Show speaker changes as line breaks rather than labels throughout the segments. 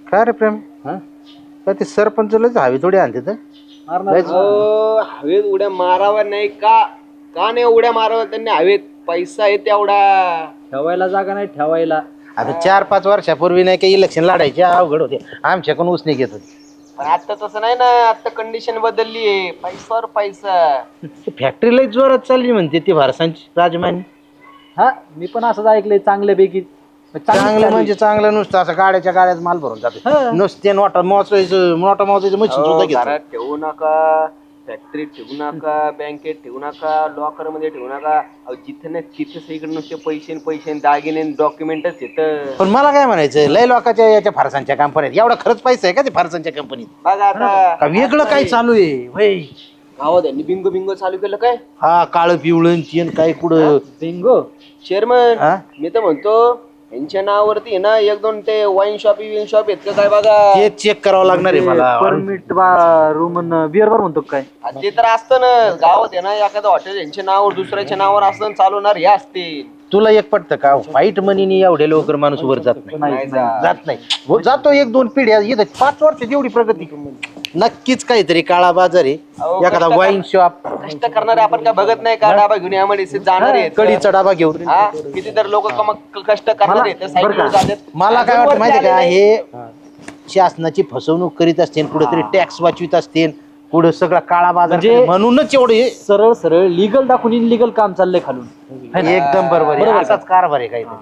काय रे प्रेम काय ते सरपंच लयच हवी थोडी आणते तर
हवेत उड्या मारावा नाही का का नाही उड्या मारावा त्यांनी हवेत पैसा आहे तेवढा
ठेवायला जागा नाही ठेवायला.
आता 4-5 वर्षापूर्वी नाही काही इलेक्शन लढायचे अवघड होते आमच्याकडून उसने घेत होते.
पण आता तसं नाही ना आता कंडिशन बदलली आहे पैशावर पैसा.
फॅक्टरी लय जोरात चालली म्हणते ती भारसांची राजमानी.
हा मी पण असंच ऐकलंय चांगल्यापैकी.
चांगलं म्हणजे चांगलं नुसतं असं गाड्याच्या गाड्यात माल भरून जातो नुसते नोटा मोजायचं मशीन सुद्धा घेतो.
घरात ठेवू नका फॅक्टरीत ठेवू नका बँकेत ठेवू नका लॉकर मध्ये ठेवू नका जिथं ना तिथं सगळीकडे नुसते पैसे दागिने डॉक्युमेंटच येतं.
पण मला काय म्हणायचं लय लोकांच्या याच्या फारसांच्या कंपनीत एवढा खरंच पैसा आहे का ते फारसांच्या कंपनीत
बघा आता
का वेगळं काय चालू आहे वय
गावात यांनी बिंगो चालू केलं काय
हा काळं पिवळं चेन काय कुठं
बिंगो
चेअरमन मी तर म्हणतो यांच्या नावावरती ना 1-2 ते वाईन शॉप आहेत का काय बघा
ते चेक करावं लागणार आहे मला.
परमिट रूम बिअर बार म्हणतो काय
ते तर असतं ना गावात आहे ना एखादं हॉटेल यांच्या नावावर दुसऱ्याच्या नावावर असतं चालवणार हे असते.
तुला एक पटतं का वाईट मनीने एवढे लवकर माणूस वर जात नाही जात नाही हो, जातो 1-2 पिढ्या येत 5 वर्षात एवढी प्रगती नक्कीच काहीतरी काळा बाजार आहे एखादा वाईन शॉप
कष्ट करणारे आपण काय बघत नाही का डाबा घेऊन यामध्ये जाणार आहेत
कडीचा डाबा घेऊन
हा किती तर लोक कष्ट करणार आहेत सायकल जातात.
मला काय वाटतं माहिती का हे शासनाची फसवणूक करीत असते कुठेतरी टॅक्स वाचवित असते पुढे सगळा काळा बाजार
म्हणजे
म्हणूनच एवढे
सरळ लीगल दाखवून इनलिगल काम चाललंय खालून.
एकदम बरोबर आहे असाच कारभार आहे काहीतरी.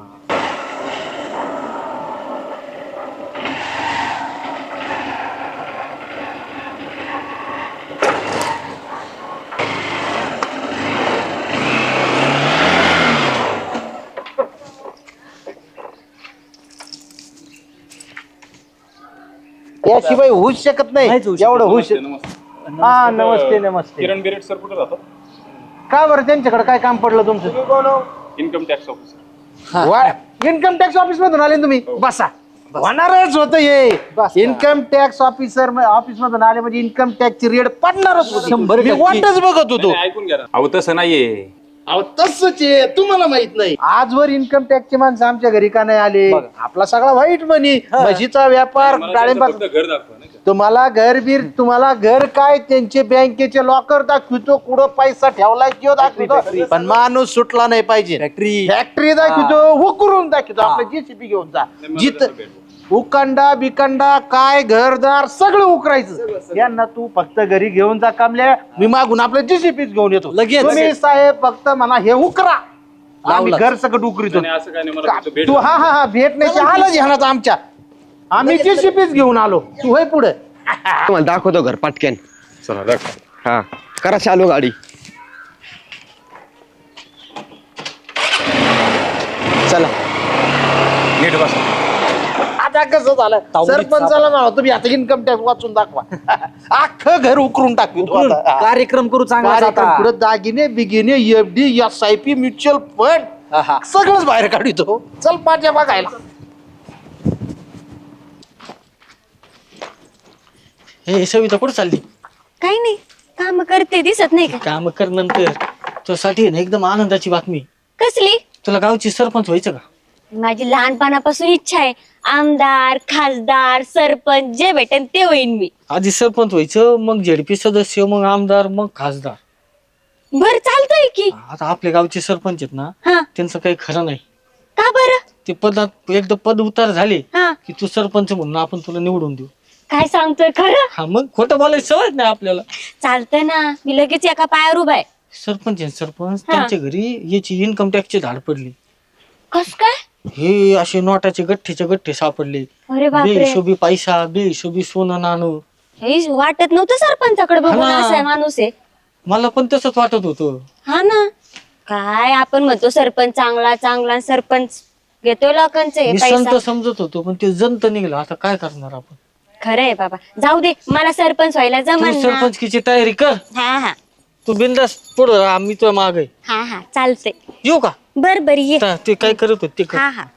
याशिवाय होऊच शकत नाही एवढं होऊ शकत. हा नमस्ते
किरण बिरेट सर कुठे राहतात?
का बरं त्यांच्याकडे काय काम पडलं तुमचं
income tax officer.
Income tax office मधून आले तुम्ही बसा होणारच होत हे इन्कम टॅक्स ऑफिसर ऑफिस मधून आले म्हणजे इन्कम टॅक्स ची रेट पडणारच होती.
100%
मी वाटच बघत होतो.
ऐकून घ्या ना. अहो तसं नाहीये.
अहो तसंच आहे तुम्हाला माहित नाही आजवर इन्कम टॅक्सचे माणसं आमच्या घरी का नाही आले आपला सगळा वाईट मनी म्हशीचा व्यापार डाळिंबा
फक्त घर दाखवा नाही का?
तुम्हाला घर काय त्यांचे बँकेचे लॉकर दाखवतो कुठं पैसा ठेवलाय किंवा दाखवतो पण माणूस सुटला नाही पाहिजे. फॅक्टरी दाखवतो उकरून दाखवतो आपलं जेसीबी घेऊन जा जिथं उकांडा बिकांडा काय घरदार सगळं उकरायचं यांना तू फक्त घरी घेऊन जा कामल्या मी मागून आपलं जेसीबीच घेऊन येतो लगेच तुम्ही साहेब फक्त म्हणा हे उकरा आम्ही घर सगळं उकरीतो.
नाही, असं काय नाही मला फक्त भेट
तू हा भेटण्याची आलं ध्यानात आमच्या आम्ही जेसीबीच घेऊन आलो तू होय पुढे
तुम्हाला दाखवतो घर पटक्यान.
चला दाखवा.
हा करा चालू गाडी. चला
नीट बसा.
आता कसं झालं सरपंचाला म्हणा तुम्ही आता इन्कम टॅक्स वाचून दाखवा अख्खं घर उकरून टाकतो
कार्यक्रम करू चांगला
पुढे दागिने बिगिने एफडी SIP म्युच्युअल फंड सगळंच बाहेर काढतो चल माझ्या बघायला.
हे सविता कुठं चालली?
काही नाही काम करते दिसत नाही का?
काम कर नंतर तुझ्यासाठी ना एकदम आनंदाची बातमी.
कसली?
तुला गावची सरपंच व्हायचं का?
माझी लहानपणापासून इच्छा आहे आमदार खासदार सरपंच जे भेटेन ते होईन मी.
आधी सरपंच व्हायचं मग ZP सदस्य मग आमदार मग खासदार.
बर चालतंय की.
आता आपल्या गावचे सरपंच आहेत ना
हा
त्यांचं काही खरं नाही.
का बरं?
ते पदात एकदा पद उतार झाले
हा
की तू सरपंच म्हणून आपण तुला निवडून देऊ.
काय सांगतोय खरं?
हा मग खोटं बोलायची सवय नाही आपल्याला.
चालतंय ना मी लगेच एका पायावर उभा आहे.
सरपंच आहे सरपंच त्यांच्या घरी याची इन्कम टॅक्सची धाड पडली.
कस काय?
हे असे नोटाचे गठ्ठे सापडले.
अरे बापरे
बेहिशोबी पैसा बेहिशोबी सोनं नाणं.
हे वाटत नव्हतं सरपंचाकडे बघून
हा ना.
असा माणूस आहे.
मला पण तसंच वाटत होतं.
हा ना काय आपण म्हणतो सरपंच चांगला सरपंच घेतोय लोकांचे
मी
पैसा.
संत समजत होतो पण ते जंत निघलं. आता काय करणार आपण?
खरं आहे बाबा जाऊ दे मला सरपंच व्हायला
तू
जमल ना.
सरपंचकीची तयारी कर.
हा
तू बिंदास पुढं राहा, मी तुझ्या मागे
हा चालतंय.
येऊ का?
बर ये.
ते काय करत होत ते कर.
हा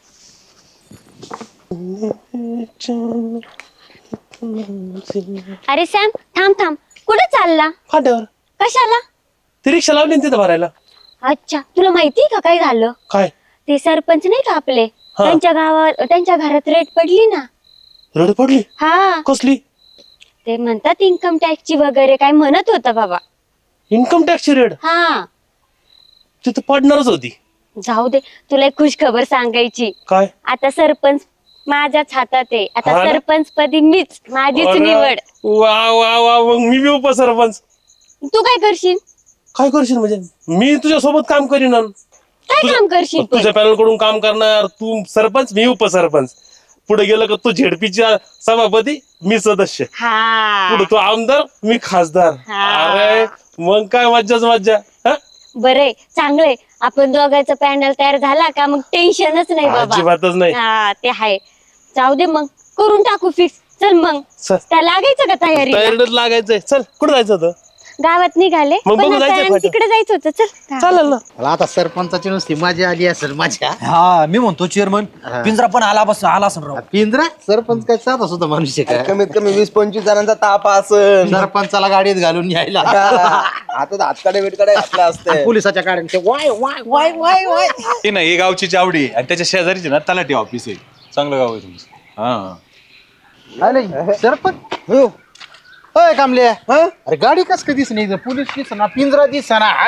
अरे सॅम थांब कुठे चालला?
फाट्यावर
कशाला?
ती रिक्षा लावली तिथं भरायला.
अच्छा तुला माहितीये का काय झालं?
काय?
ते सरपंच नाही का आपले त्यांच्या घरात रेट पडली ना.
रड पडली
हा
कसली?
ते म्हणतात इन्कम टॅक्सची वगैरे काय म्हणत होता बाबा.
इन्कम टॅक्सची रेड
हा
तिथं पडणारच होती.
जाऊ दे, तुला एक खुश खबर सांगायची.
काय?
आता सरपंच माझ्याच हातात आहे. आता
हा ना?
सरपंच पदी मीच, माझीच
अरे,
निवड.
वा वा वा, मग मी बी उपसरपंच.
तू काय करशील?
काय करशील म्हणजे? मी तुझ्या सोबत काम करीन.
काय काम करशील पण?
तुझ्या पॅनल कडून काम करणार. तू सरपंच, मी उपसरपंच. पुढे गेलं का तू झेडपीच्या सभापती, मी सदस्य.
हा
पुढे तू आमदार, मी खासदार.
हा.
अरे मग काय मज्जाच मज्जा. हा?
बरंय, चांगलंय. आपण दोघांचा पॅनल तयार झाला का मग टेन्शनच नाही बाबा.
अजिबातच नाही.
हा ते आहे. जाऊ दे मग, करून टाकू फिक्स. चल मग,
चल.
त्या लागायचं का तयारी?
तयारीलाच लागायचंय. चल कुठं जायचं होतं?
गावात निघाले,
मग
पण
बघू
आता
जायचंय फाट्यावर.
तिकडे जायचं होतं. चल
चालेल ना.
मला आता सरपंचाची नुसती मजा आली असेल. मजा
हा मी म्हणतो चेअरमन पिंजरा पण आला असेल राव.
पिंजरा सरपंच काय साधा सुद्धा मनुष्य काय?
कमीत कमी 20-25 जणांचा ताप असन.
सरपंचाला गाडीत घालून यायला
आता हातकडे बिटकडे घातला असते.
पोलिसाच्या गाड्यांचे वाय वाय वाय वाय वाय.
ही नाही ही गावची चावडी आणि त्याच्या शेजारीची ना तलाठी ऑफिस आहे. चांगलं गाव आहे तुमचं. हा
आले सरपंच हो. अय कामले, अरे गाडी कस काय दिसली? पोलीस दिसना, पिंजरा दिसना, हात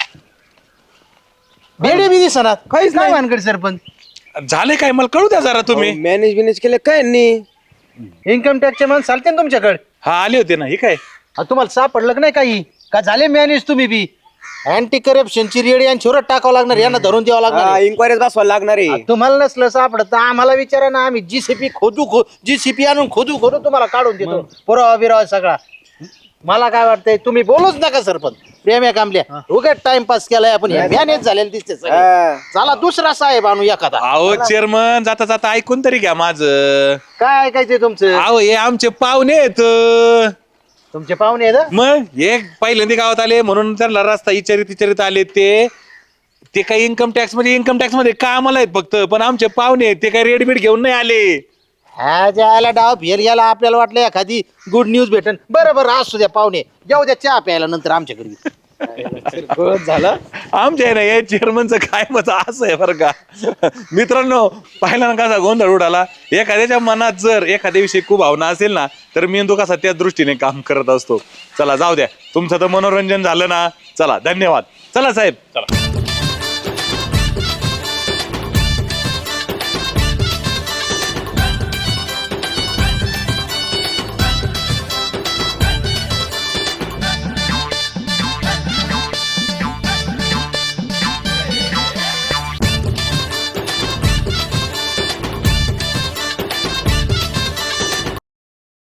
बेडे बी दिसना. काहीच नाही वानकड सरपंच.
झाले काय मला कळू द्या जरा तुम्ही.
मॅनेज केले काय यांनी?
इन्कम टॅक्सचे माणसं चालते ना तुमच्याकडे?
हा आले होते ना. ही काय
तुम्हाला सापडलं का नाही काही? का झाले मॅनेज तुम्ही बी? अँटी करप्शनची रेडी आणि छोरत टाकावं लागणार, यांना धरून द्यावं लागणार.
इन्क्वायरीज बसवायला लागणार आहे.
तुम्हाला नसलं सापडत तर आम्हाला विचारा ना, आम्ही जीसीपी जीसीपी आणून खोदू तुम्हाला काढून देतो. पुरावा बिरावा सगळा. मला काय वाटतंय, तुम्ही बोलूच नका सरपंच. प्रेम आहे कामल्या, उगाच टाइमपास केलाय आपण. मॅनेज झालेलं दिसते सगळे. चला दुसरा साहेब आणू एखादा.
अहो चेअरमन जाता जाता ऐकून तरी घ्या माझं.
काय ऐकायचंय तुमचं?
अहो हे आमचे पाहुणे आहेत.
तुमचे पाहुणे आहेत?
मग एक पहिल्यांदा गावात आले म्हणून त्यांना रस्ता इचारित आले. ते काही इन्कम टॅक्स मध्ये कामाला आहेत फक्त. पण आमचे पाहुणे आहेत, ते काही रेडबीट घेऊन नाही आले.
हा ज्याला डाव फेर गेला, आपल्याला वाटलं एखादी गुड न्यूज भेटन. बरं असू द्या पाहुणे, जाऊ द्या चहा प्यायला नंतर आमच्या घरी.
झालं.
आमच्या ना या चेअरमनचं काय मत असं आहे बरं का. मित्रांनो पाहिला ना कसा गोंधळ उडाला. एखाद्याच्या मनात जर एखाद्याविषयी खूप भावना असेल ना, तर मेंदू कसा त्या दृष्टीने काम करत असतो. चला जाऊ द्या, तुमचं तर मनोरंजन झालं ना. चला धन्यवाद. चला साहेब चला.